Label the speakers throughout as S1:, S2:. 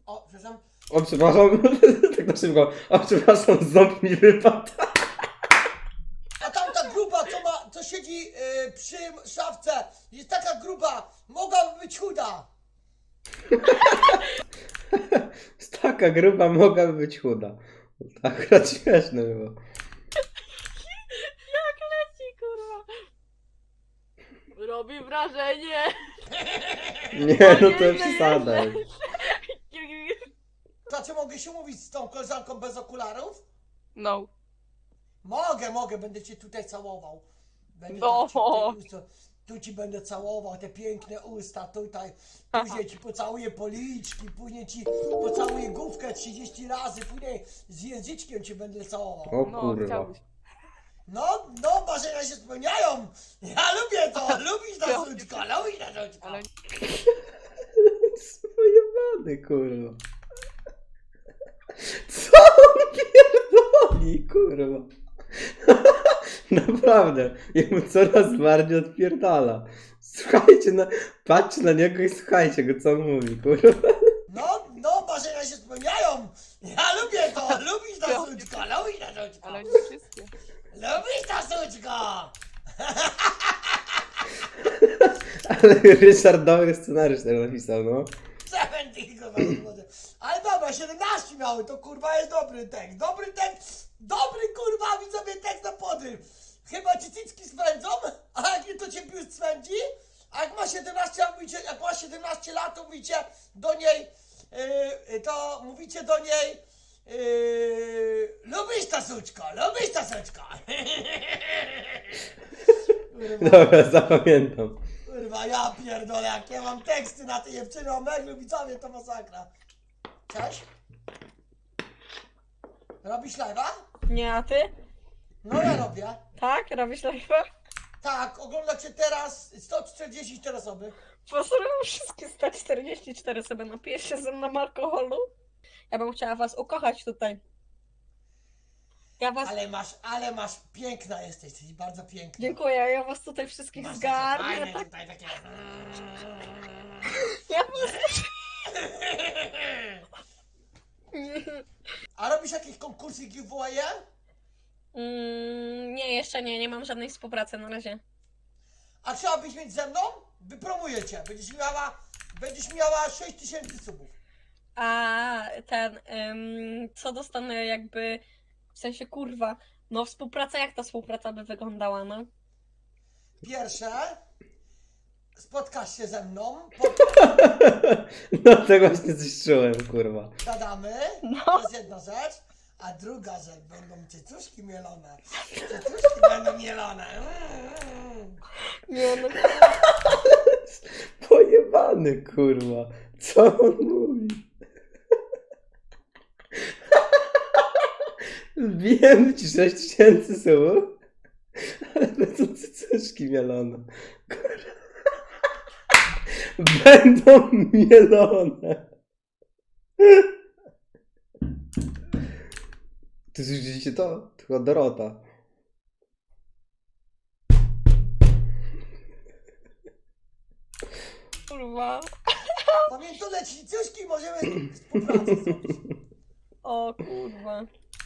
S1: O, przepraszam.
S2: O, przepraszam, tak na szybko. O, przepraszam, ząb mi wypadł.
S1: A tamta gruba, co siedzi przy szafce, jest taka gruba, mogłaby być chuda.
S2: Taka gruba mogłaby być chuda. To akurat śmieszne było.
S3: Jak leci, kurwa. Robi wrażenie.
S2: Nie, no to przesada.
S1: Znaczy, mogę się mówić z tą koleżanką bez okularów?
S3: No.
S1: Mogę, będę cię tutaj całował. Będę
S3: No.
S1: tak cię, tu ci będę całował, te piękne usta tutaj. Później ci pocałuję policzki, później ci pocałuję główkę 30 razy, później z języczkiem cię będę całował.
S2: O
S3: No,
S2: kurwa.
S3: chciałbyś.
S1: No, marzenia się spełniają. Ja lubię to, lubisz na suczko, lubisz na suczko.
S3: Ale
S2: Pojebany, kurwa. Co on pierdoli, kurwa? Naprawdę, jemu coraz bardziej odpierdala. Słuchajcie, patrzcie na niego i słuchajcie go, co on mówi, kurwa.
S1: No, marzenia się spełniają. Ja lubię to, lubisz na suczko, lubisz na suczko.
S3: nie wszystkie.
S1: Lubisz na suczko.
S2: Ale Ryszard dobry scenariusz tak napisał, no.
S1: 70 kurwa. Ale dobra, 17 miały, to kurwa jest dobry tekst. Dobry kurwa widzowie tekst na podryw. Chyba ci cycki swędzą, a jak nie to cię biust swędzi. A jak ma 17 lat, mówicie, jak ma 17 lat, to mówicie do niej, lubisz ta suczko, lubisz ta suczko.
S2: Dobra, zapamiętam.
S1: Kurwa, ja pierdolę, jak ja mam teksty na tej dziewczyny o meglu, widzowie, to masakra. Cześć? Robisz live'a?
S3: Nie, a ty?
S1: No ja robię.
S3: Tak? Robisz live'a?
S1: Tak, oglądacie teraz 144 osoby.
S3: Pozdrawiam wszystkie 144 sobie, napiję się ze mną alkoholu. Ja bym chciała was ukochać tutaj. Ja was...
S1: Ale masz, piękna jesteś bardzo piękna.
S3: Dziękuję, ja was tutaj wszystkich
S1: Masz takie
S3: zgarnę.
S1: fajne
S3: Tak?
S1: tutaj takie...
S3: Ja was...
S1: A robisz jakieś konkursy giveaway?
S3: nie, jeszcze nie mam żadnej współpracy na razie.
S1: A chciałabyś mieć ze mną? Wypromuję cię. Będziesz miała 6000 subów.
S3: A ten, co dostanę jakby, w sensie kurwa, no współpraca, jak ta współpraca by wyglądała, no?
S1: Pierwsze, spotkasz się ze mną,
S2: No to właśnie coś czułem, kurwa.
S1: gadamy,
S3: No.
S1: to jest jedna rzecz. A druga rzecz, będą cycuszki mielone. Cycuszki będą mielone.
S3: Nie, no
S2: Pojebany, kurwa. Co on mówi? Wbijemy ci 6000 słów, ale będą cycuszki mielone. Kurwa. Będą mielone. Ty słyszycie to? To chyba Dorota.
S3: kurwa.
S1: Pamiętam, leci cycuszki i możemy współpracę zrobić.
S3: O kurwa.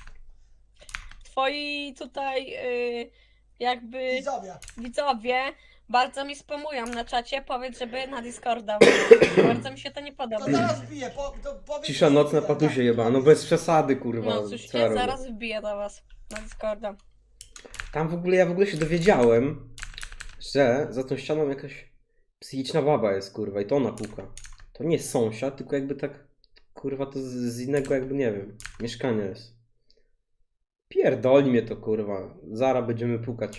S3: Twoi tutaj jakby
S1: Widzowie.
S3: widzowie bardzo mi spamują na czacie, powiedz, żeby na Discorda. Bardzo mi się to nie podoba.
S1: To zaraz wbiję, powiedz...
S2: Cisza nocna patusie jeba, no bez przesady, kurwa.
S3: No cóż,
S2: co ja
S3: ja
S2: robię?
S3: zaraz wbiję do was na Discorda.
S2: Tam ja w ogóle się dowiedziałem, że za tą ścianą jakaś psychiczna baba jest, kurwa, i to ona puka. To nie jest sąsiad, tylko jakby tak, kurwa, to z innego jakby, nie wiem, mieszkania jest. Pierdoli mnie to, kurwa. Zaraz będziemy pukać.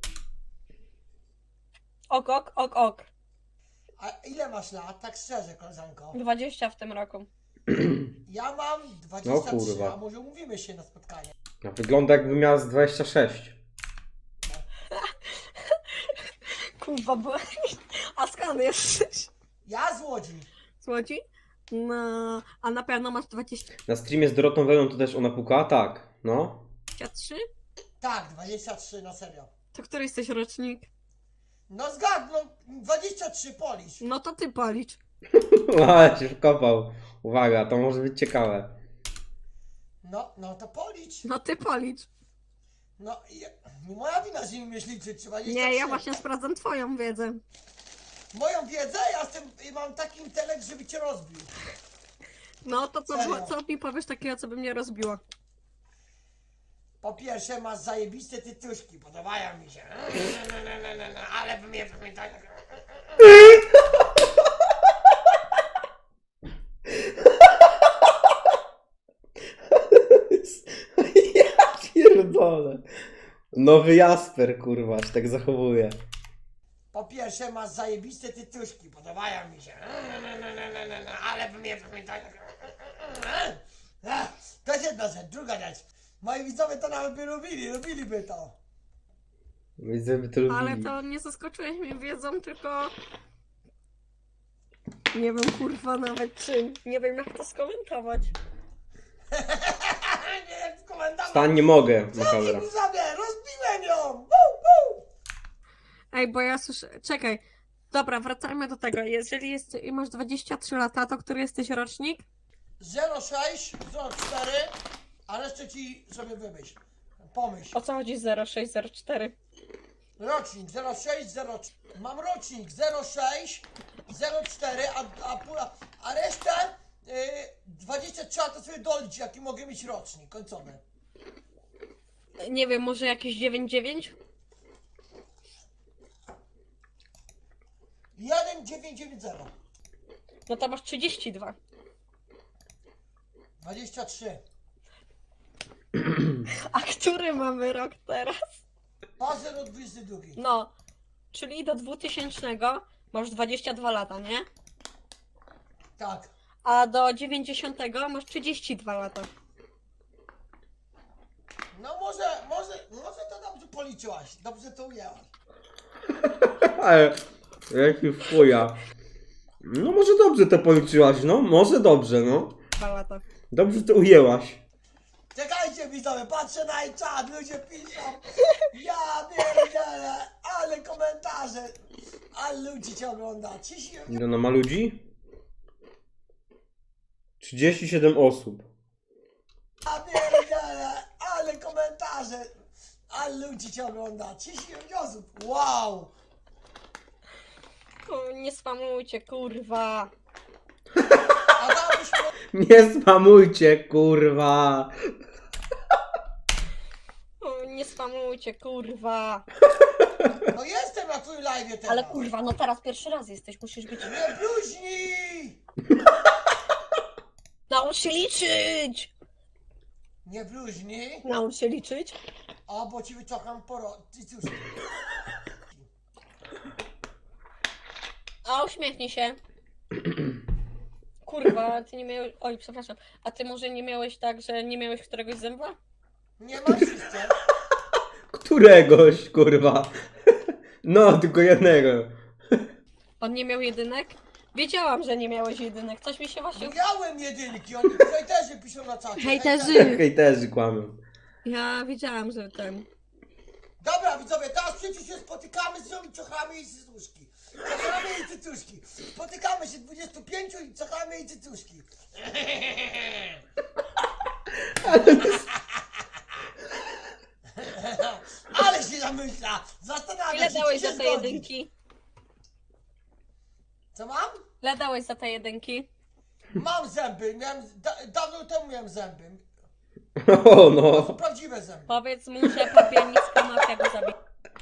S3: Ok, ok, ok, ok.
S1: A ile masz lat, tak szczerze, koleżanko?
S3: 20 w tym roku.
S1: Ja mam
S2: No
S1: 23,
S2: kurwa.
S1: a może umówimy się na spotkanie?
S2: No, wygląda jakby miała z 26.
S3: Kurwa, bo... A skąd jesteś?
S1: Ja z Łodzi.
S3: Z Łodzi? No, a na pewno masz 23?
S2: Na streamie z Dorotą Wełą to też ona puka? Tak, no.
S1: Tak, 23, na serio.
S3: To który jesteś rocznik?
S1: No zgadł, no 23 Polish.
S3: No to ty policz.
S2: Ale się wkopał. Uwaga, to może być ciekawe.
S1: No to policz.
S3: No ty policz.
S1: No, nie moja wina, że nie umiesz liczyć, trzeba jeść.
S3: Nie, ja właśnie sprawdzam twoją wiedzę.
S1: Moją wiedzę, mam taki intelekt, żeby cię rozbił.
S3: No to
S1: Serio?
S3: co mi powiesz takiego, co by mnie rozbiło?
S1: Po pierwsze, masz zajebiste tytuszki, podobają mi się. Ale by mnie pamiętać.
S2: Ja pierdolę. Nowy Jasper, kurwa, się tak zachowuje.
S1: Po pierwsze, masz zajebiste tytuszki, podobają mi się. Ale by mnie pamiętać. To jest jedna rzecz. Druga rzecz. Moi widzowie to nawet by lubiliby to.
S2: Widzę, by to lubili.
S3: Ale to nie zaskoczyłeś mnie wiedzą, tylko... Nie wiem, kurwa, nawet czym. Nie wiem, jak to skomentować.
S1: Nie, jak w komentarzach.
S2: Stań, nie mogę,
S1: Co
S2: makabra.
S1: mi widzowie? Rozbiłem ją! Woo!
S3: Ej, bo ja słyszę... Czekaj. Dobra, wracajmy do tego. Jeżeli masz 23 lata, to który jesteś rocznik?
S1: 06, 04, a resztę ci sobie wymyśl. Pomyśl.
S3: O co chodzi 0604?
S1: Rocznik 06, 04. Mam rocznik 06, 04, a resztę 23 to sobie dolicz, jaki mogę mieć rocznik końcowy.
S3: Nie wiem, może jakieś 99?
S1: 1990.
S3: No to masz 32.
S1: 23.
S3: A który mamy rok teraz?
S1: 2022.
S3: No, czyli do 2000 masz 22 lata, nie?
S1: Tak.
S3: A do 90 masz 32 lata.
S1: No może to dobrze policzyłaś. Dobrze to ujęłaś.
S2: Ale, jaki wchuja. No może dobrze to policzyłaś, no. Może dobrze, no.
S3: 2 lata.
S2: Dobrze to ujęłaś.
S1: Czekajcie widzowie, patrzę na czat, ludzie piszą. Ja pierdzielę, ale komentarze. Ale ludzi cię ogląda.
S2: Ile ona ma ludzi? 37 osób.
S1: Ja pierdzielę, ale komentarze. Ale ludzi cię ogląda. 39 osób. Wow.
S3: O, nie spamujcie, kurwa.
S1: A dałabyś
S2: Nie spamujcie, kurwa.
S3: O, nie spamujcie, kurwa.
S1: No jestem na twój live teraz.
S3: Ale kurwa, no teraz pierwszy raz jesteś, musisz być...
S1: Nie bluźnij.
S3: Naucz się liczyć!
S1: Nie bluźnij.
S3: Naucz się liczyć?
S1: A bo ci wyciągam Ty cóż.
S3: A uśmiechnij się. Kurwa, ty nie miałeś... Oj, przepraszam. A ty może nie miałeś tak, że nie miałeś któregoś zęba?
S1: Nie masz jeszcze.
S2: Któregoś, kurwa. No, tylko jednego.
S3: On nie miał jedynek? Wiedziałam, że nie miałeś jedynek. Coś mi się właśnie...
S1: Miałem jedynki, oni hejterzy piszą na czacie.
S3: Hejterzy!
S2: Hejterzy kłamią.
S3: Ja wiedziałam, że ten...
S1: Dobra widzowie, teraz przecież się spotykamy z nią i ciochamy jej cycuszki. Ciochamy jej cycuszki. Spotykamy się 25 i ciochamy jej cycuszki. Ale się zamyśla, zastanawia
S3: Ile
S1: się,
S3: dałeś
S1: czy się
S3: za te
S1: zgodzi.
S3: jedynki?
S1: Co mam?
S3: Ile dałeś za te jedynki?
S1: Mam zęby, dawno temu miałem zęby.
S2: O,
S1: To
S2: no.
S1: są prawdziwe zęby.
S3: Powiedz mu, że papiernicka mafia go zabiła.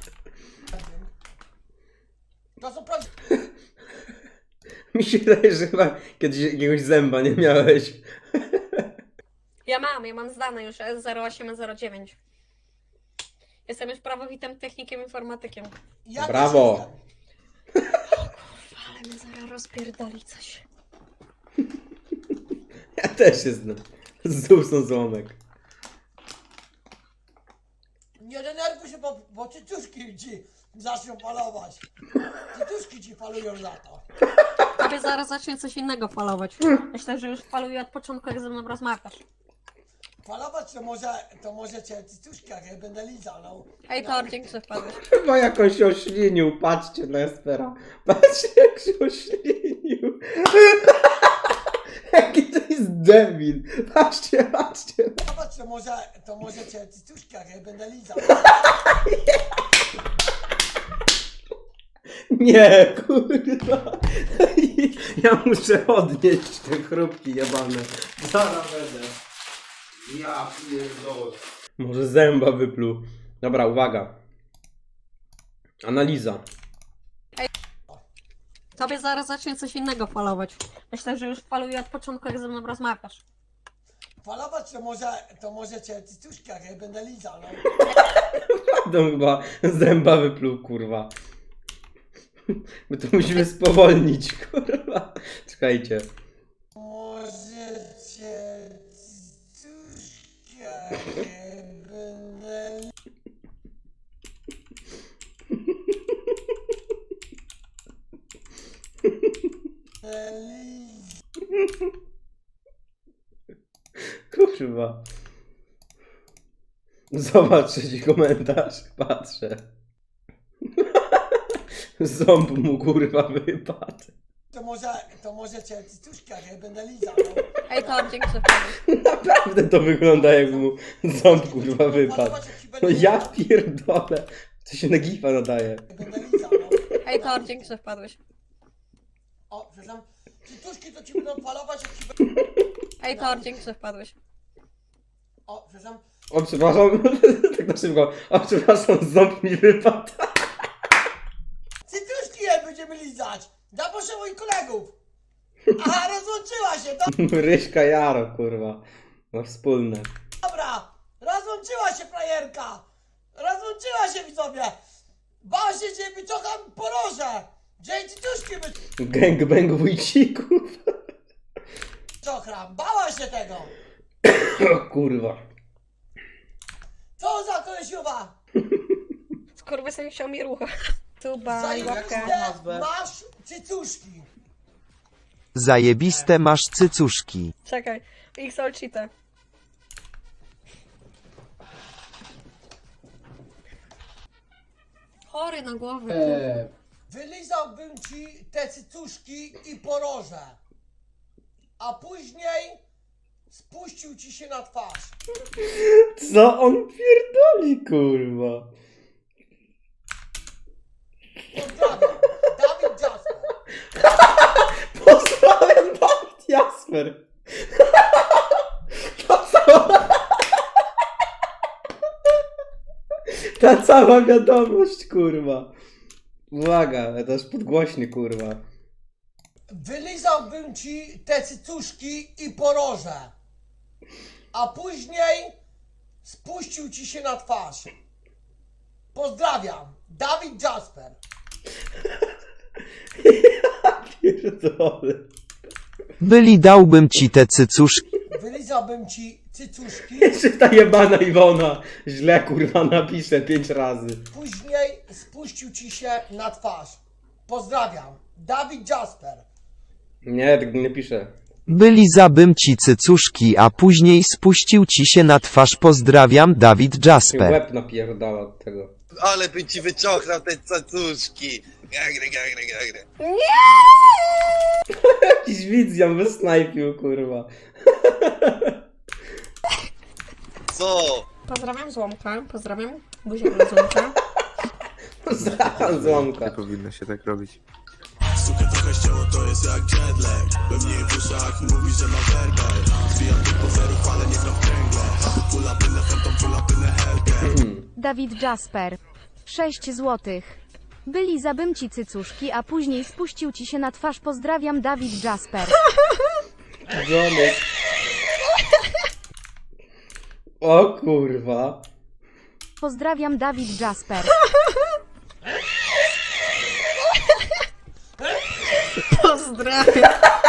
S1: To są prawdziwe.
S2: Mi się wydaje, że chyba kiedyś jakiegoś zęba nie miałeś.
S3: Ja mam zdane już S0809. Jestem już prawowitym technikiem informatykiem.
S1: Ja
S2: Brawo.
S1: też jestem.
S3: Ale mnie zaraz rozpierdoli coś.
S2: Ja też jestem. Znów są złomek.
S1: Nie denerwuj się, bo cycuszki ci zaczną falować. Cycuszki ci falują za to.
S3: Tobie zaraz zacznie coś innego falować. Myślę, że już faluje od początku, jak ze mną rozmawiasz.
S1: Falować to może cię cycuszki, jak ja będę lizał. No.
S3: Ej, to dzięki, że wpadłeś.
S2: Chyba jakoś się oślinił. Patrzcie na Espera. Patrzcie jak się oślinił. Jaki to jest debil. Patrzcie, patrzcie.
S1: Zobacz, to może cię cycuszki, jak ja będę lizał.
S2: Nie, kurwa. Ja muszę odnieść te chrupki jebane. Zaraz będę. Ja pierdolę. Może zęba wypluł. Dobra, uwaga. Analiza.
S3: Tobie zaraz zacznie coś innego falować. Myślę, że już faluje od początku, jak ze mną rozmawiasz.
S1: Falować to może cię cycuszki, jak ja będę lizał, no.
S2: To chyba zęba wypluł, kurwa. My to musimy spowolnić, kurwa. Czekajcie.
S1: Może cię cycuszki, jak ja będę lizał.
S2: Kurwa. Zobacz trzeci komentarz. Patrzę. Ząb mu kurwa wypadł.
S1: To może cię cycuszki, jak ja będę lizał, no.
S3: Ej, to dzięki, że wpadłeś.
S2: Naprawdę to wygląda jakby mu ząb kurwa wypadł.
S1: Falować, jak ci
S2: No
S1: będę
S2: ja
S1: lizał,
S2: pierdolę. To się na gifa nadaje.
S1: jak będę lizał, no.
S3: Ej, to dzięki, że wpadłeś.
S1: O, przepraszam. Cycuszki to ci będą falować, jak ci będę...
S3: Ej, to dzięki, że wpadłeś.
S1: O, przepraszam.
S2: O, przepraszam. Tak na szybko. O, przepraszam, ząb mi wypadł.
S1: Cycuszki je będziemy lizać! Zaproszę moich kolegów! Aha, rozłączyła się,
S2: Ryśka Jaro, kurwa. No wspólne.
S1: dobra! Rozłączyła się frajerka! Rozłączyła się, widzowie! Bała się, że wyciągam poroże! Że jej cycuszki
S2: Gangbang wujcików.
S1: wyciągam! Bała się tego!
S2: O kurwa.
S1: Co za kolesiowa!
S3: Skurwysyn chciał mi rucha. Tuba i łapkę.
S1: Zajebiste masz cycuszki!
S4: Zajebiste masz cycuszki.
S3: Czekaj, XL cheatę. Chory na głowę.
S1: Wylizałbym ci te cycuszki i poroże. A później spuścił ci się na twarz.
S2: Co on pierdoli, kurwa?
S1: Pozdrawiam, Dawid Jasper.
S2: Pozdrawiam, Dawid Jasper. Ta cała wiadomość, kurwa. Uwaga, ja też podgłośny, kurwa.
S1: Wylizałbym ci te cycuszki i poroże. A później spuścił ci się na twarz. Pozdrawiam, Dawid Jasper.
S2: Pierdolę.
S4: Byli dałbym ci te cycuszki.
S1: Wylizałbym ci cycuszki,
S2: Jeszcze ta jebana Iwona źle, kurwa, napisze 5 razy.
S1: później spuścił ci się na twarz. Pozdrawiam, Dawid Jasper.
S2: Nie, tak nie piszę.
S4: Byli zabym ci cycuszki, a później spuścił ci się na twarz. Pozdrawiam, Dawid Jasper.
S2: Łeb napierdala od tego.
S5: Ale by ci wyciągnął te cacuszki. Gagry.
S2: Jakiś widz ją wysnajpił, kurwa.
S5: Co?
S3: Pozdrawiam Złomka, pozdrawiam buziaka na Złomka.
S2: Zacham złomka.
S6: Powinno się tak robić.
S7: Sukę trochę ścięło, to jest jak jetlag. Pewnie w uszach mówi, że ma werbel. Zbijam tylko zerów, ale nie gram w kręgle. Pula pynę, phantom, pula pynę, helkę.
S8: Dawid Jasper. 6 złotych. Byli zabym ci cycuszki, a później spuścił ci się na twarz. Pozdrawiam, Dawid Jasper.
S2: Dzwonek. O kurwa.
S8: Pozdrawiam, Dawid Jasper.
S3: Pozdrawiam.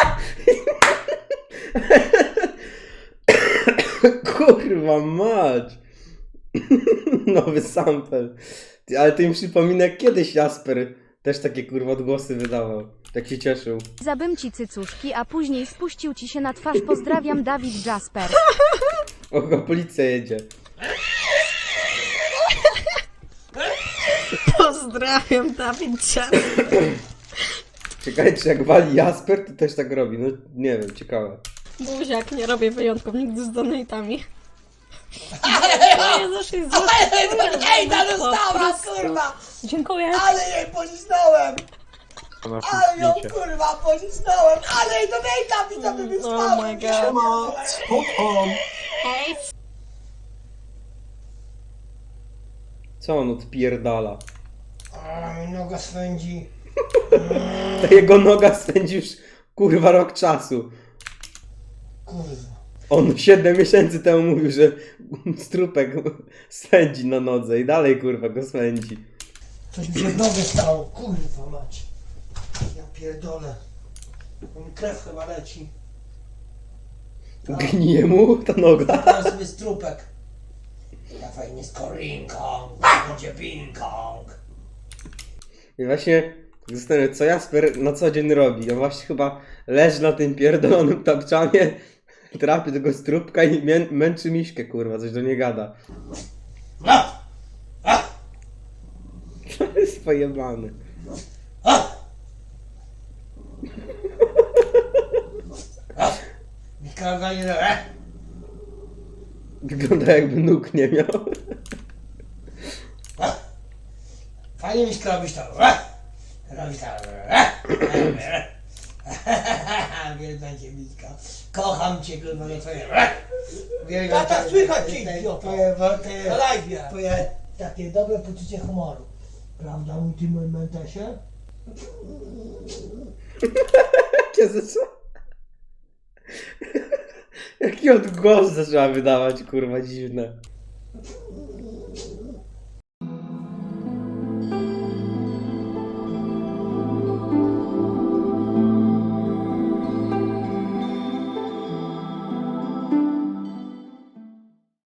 S2: Kurwa mać. Nowy sample. Ty, ale to mi przypomina, jak kiedyś Jasper też takie kurwa odgłosy wydawał. Tak się cieszył.
S8: Zabym ci cycuszki, a później spuścił ci się na twarz. Pozdrawiam, Dawid Jasper.
S2: O, policja jedzie.
S3: Pozdrawiam, Dawid Jasper.
S2: Czekajcie, jak wali Jasper, to też tak robi. No nie wiem, ciekawe.
S3: Buziak, nie robię wyjątków nigdy z donatami.
S1: Ale
S3: Jezus,
S1: ej, ta dostała, kurwa!
S3: Dziękuję.
S1: Ale jej pocisnąłem!
S2: Ona
S1: Ale ją kurwa pocisnąłem! Ale jej donata widzowie wysłałem!
S3: Oh my god. Hej.
S2: Co on odpierdala?
S1: A mi noga swędzi.
S2: Ta jego noga spędzi już kurwa rok czasu.
S1: Kurwa.
S2: On 7 miesięcy temu mówił, że strupek swędzi na nodze i dalej kurwa go swędzi.
S1: Coś mi się w nogę stało, kurwa mać. Ja pierdolę. Mi krew chyba leci.
S2: Gnije mu ta noga.
S1: Teraz sobie strupek. Ja fajnie z korinką. Będzie ping-pong.
S2: I właśnie zastanawiam się, co Jasper na co dzień robi. On właśnie chyba leży na tym pierdolonym tapczanie, trapi tego strupka i męczy miśkę, kurwa, coś do niej gada. To jest pojebany.
S1: Mikroga nie
S2: Wygląda jakby nóg nie miał.
S1: Fajnie mi skrobisz to. Robisz to. Wielka cię, Mitka. Kocham cię, kurwa, za twoje. Tata, słychać cię, idioto. Na live'ie. Twoje takie dobre poczucie humoru. Prawda, mój ty, mój mentesie?
S2: Jaki odgłos zaczęła wydawać, kurwa, dziwne.